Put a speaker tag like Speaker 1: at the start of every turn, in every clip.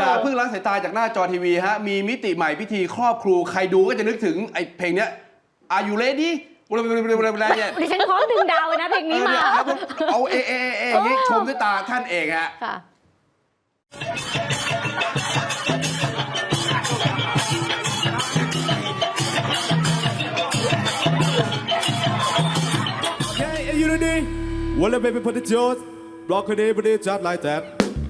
Speaker 1: อย่าเพิ่งละสายตาจากหน้าจอทีวีฮะมีมิติใหม่พิธีครอบครูใครดูก็จะนึกถึงไอ้เพลงเนี้ย Are you ready เนี่ย
Speaker 2: ดิฉันพร้อมดึงดาวเลยนะเพลงนี้มา
Speaker 1: เอาอย่างนี้ชมด้วยตาท่านเองฮะ
Speaker 3: You ready? Well, baby, put the jaws. Rock it, put it just like that.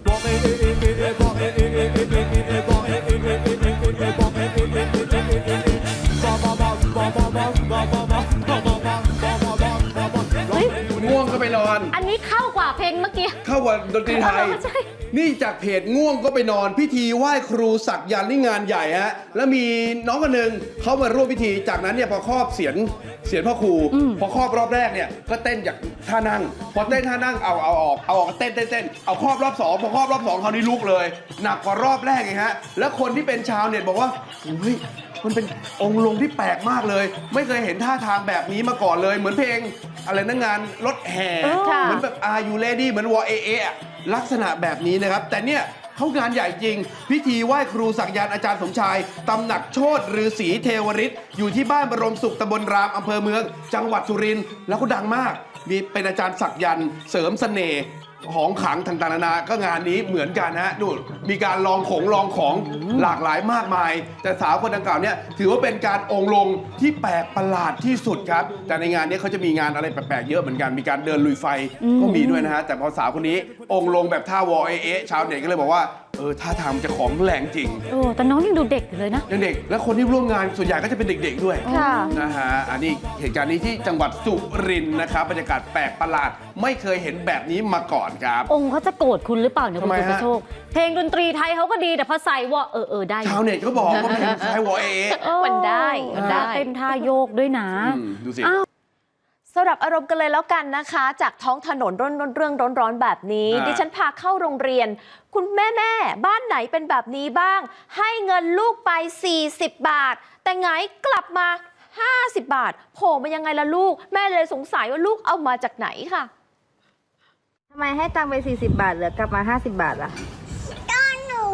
Speaker 1: ง่วงก็ไปนอน
Speaker 2: อันนี้เข้ากว่าเพลงเมื่อกี้
Speaker 1: เข้ากว่าดนตรีไทยนี่จากเพจง่วงก็ไปนอนพิธีไหว้ครูสักยันต์นี่งานใหญ่ฮะแล้วมีน้องคนหนึ่งเขามาร่วมพิธีจากนั้นเนี่ยพอครอบเสียนพ่อครูพอครอบรอบแรกเนี่ยก็เต้นจากท่านั่งพอเต้นท่านั่งเอาออกเต้นเอาครอบรอบ2พอครอบรอบ2คราวนี้ลุกเลยหนักกว่ารอบแรกไงฮะแล้วคนที่เป็นชาวเน็ตบอกว่าเฮ้ยมันเป็นองค์ลงที่แปลกมากเลยไม่เคยเห็นท่าทางแบบนี้มาก่อนเลยเหมือนเพลงอะไรนะงานรถแห่เหมือนแบบ Are you ready เหมือนวอเอลักษณะแบบนี้นะครับแต่เนี่ยเขางานใหญ่จริงพิธีไหว้ครูสักยันต์อาจารย์สมชายตำหนักโชติฤาษีเทวฤทธิ์อยู่ที่บ้านบรมสุขตำบลรามอำเภอเมืองจังหวัดสุรินทร์แล้วก็ดังมากมีเป็นอาจารย์สักยันต์เสริมเสน่ห์ของขลังต่างๆนานาก็งานนี้เหมือนกันฮะนู่นมีการลองของหลากหลายมากมายแต่สาวคนดังกล่าวเนี่ยถือว่าเป็นการองค์ลงที่แปลกประหลาดที่สุดครับแต่ในงานนี้เขาจะมีงานอะไรแปลกๆเยอะเหมือนกันมีการเดินลุยไฟก็มีด้วยนะฮะแต่พอสาวคนนี้องค์ลงแบบท่าวอชาวเน็ตก็เลยบอกว่าท่าทางจะของแรงจริง
Speaker 2: แต่น้องยังดูเด็กอยู่เลยนะ
Speaker 1: ยังเด็กและคนที่ร่วมงานส่วนใหญ่ก็จะเป็นเด็กๆด้วยนะฮะอันนี้เหตุการณ์นี้ที่จังหวัดสุรินทร์นะครับบรรยากาศแปลกประหลาดไม่เคยเห็นแบบนี้มาก่อนครับ
Speaker 2: องค์เขาจะโกรธคุณหรือเปล่าเนี่ยคุณสุภโชคเพลงดนตรีไทยเขาก็ดีแต่พอใส่วอได้
Speaker 1: ชาวเน็ตก็บอกว่าเพลงไทยวอ
Speaker 2: มันได้เต้นท่าโยกด้วยนะ
Speaker 1: ดูสิ
Speaker 4: สำหรับอารมณ์กันเลยแล้วกันนะคะจากท้องถนนเรื่องร้อนๆแบบนี้ดิฉันพาเข้าโรงเรียนคุณแม่บ้านไหนเป็นแบบนี้บ้างให้เงินลูกไป40 บาทแต่ไงกลับมา50 บาทโผล่มายังไงล่ะลูกแม่เลยสงสัยว่าลูกเอามาจากไหนค่ะ
Speaker 5: ทำไมให้ตังค์ไป40 บาทเหลือกลับมา50 บาทล่ะ
Speaker 6: ก็หนู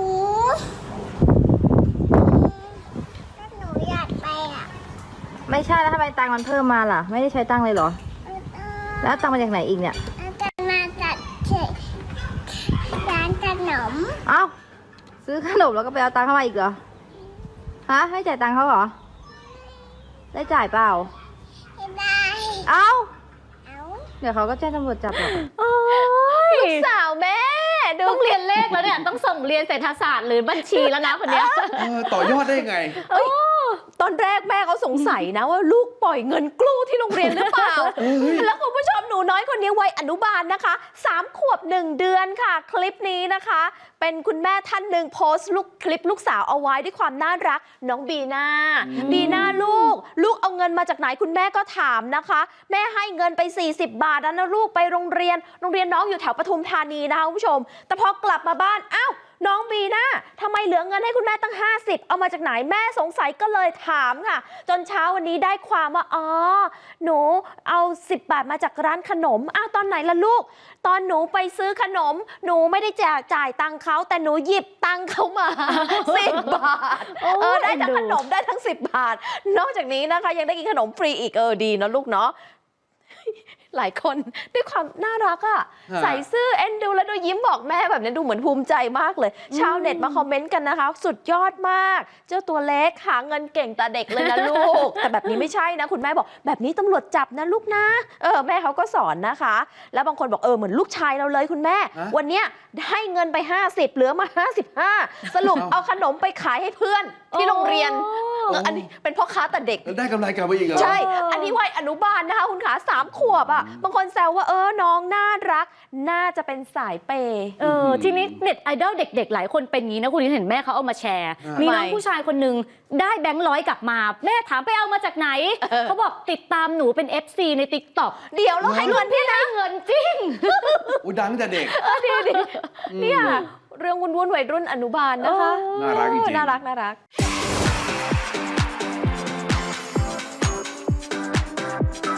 Speaker 6: อยากไปอ่ะ
Speaker 5: ไม่ใช่แล้วทำไมตังค์มันเพิ่มมาล่ะไม่ได้ใช้ตังค์เลยเหรอแล้วตังค์มาจากไหนอีกเนี่ย
Speaker 6: จะมาจากร้านขนม
Speaker 5: เอ้าซื้อขนมแล้วก็ไปเอาตังค์เข้ามาอีกเหรอฮะให้จ่ายตังค์เขาเหรอได้จ่ายเปล่า
Speaker 6: ไม่ได้
Speaker 5: เอ้าเดี๋ยวเขาก็แจ้งตำรวจจับหรอก
Speaker 4: ลูกสาวแม่
Speaker 2: ต้องเรียนเลขแล้วเนี่ยต้องส่งเรียนเศรษฐศาสตร์หรือบัญชีแล้วนะคนเนี้ย
Speaker 1: ต่อยอดได้ไง
Speaker 4: ตอนแรกแม่เขาสงสัยนะว่าลูกปล่อยเงินกลูที่โรงเรียนหรือเปล่าแล้วคุณผู้ชมหนูน้อยคนนี้วัยอนุบาลนะคะ3 ขวบ 1 เดือนค่ะคลิปนี้นะคะเป็นคุณแม่ท่านหนึ่งโพสต์คลิปลูกสาวเอาไว้ด้วยความน่ารักน้องบีน่าลูกเอาเงินมาจากไหนคุณแม่ก็ถามนะคะแม่ให้เงินไป40 บาทนะลูกไปโรงเรียนน้องอยู่แถวปทุมธานีนะคะคุณผู้ชมแต่พอกลับมาบ้านอ้าวน้องบีน่าทำไมเหลือเงินให้คุณแม่ตั้ง50เอามาจากไหนแม่สงสัยก็เลยถามค่ะจนเช้าวันนี้ได้ความว่าหนูเอา10 บาทมาจากร้านขนมตอนไหนล่ะลูกตอนหนูไปซื้อขนมหนูไม่ได้จ่ายตังค์เขาแต่หนูหยิบตังค์เขามา10 บาทได้ทั้งขนมได้ทั้ง10 บาทนอกจากนี้นะคะยังได้กินขนมฟรีอีกดีเนาะลูกเนาะหลายคนด้วยความน่ารักใส่ซื่อเอ็นดูแล้วดูยิ้มบอกแม่แบบนี้ดูเหมือนภูมิใจมากเลยชาวเน็ตมาคอมเมนต์กันนะคะสุดยอดมากเจ้าตัวเล็กหาเงินเก่งแต่เด็กเลยนะลูกแต่แบบนี้ไม่ใช่นะคุณแม่บอกแบบนี้ตำรวจจับนะลูกนะแม่เขาก็สอนนะคะแล้วบางคนบอกเหมือนลูกชายเราเลยคุณแม่วันเนี้ยให้เงินไป50เหลือมา55สรุปเอาขนมไปขายให้เพื่อนที่โรงเรียนอันนี้เป็นพ่อค้าแต่เด็ก
Speaker 1: ได้กำไรกลับไปอีกเหรอ
Speaker 4: ใช่อันนี้วัยอนุบาลนะคะคุณขา3 ขวบบางคนแซวว่าน้องน่ารักน่าจะเป็นสายเปย์
Speaker 2: ทีนี้เน็ตไอดอลเด็กๆหลายคนเป็นงี้นะคุณเห็นแม่เขาเอามาแชร์มีน้องผู้ชายคนหนึ่งได้แบงค์100กลับมาแม่ถามไปเอามาจากไหนเขาบอกติดตามหนูเป็น FC ใน TikTok
Speaker 4: เดี๋ยวเราให้เงินพี่นะ
Speaker 2: เงินจริง
Speaker 1: ดังแต่เด็ก
Speaker 4: ดีเนี่ยเรื่องวุ่นวัยรุ่นอนุบาลนะคะ
Speaker 1: น่ารักจริง
Speaker 4: น่ารัก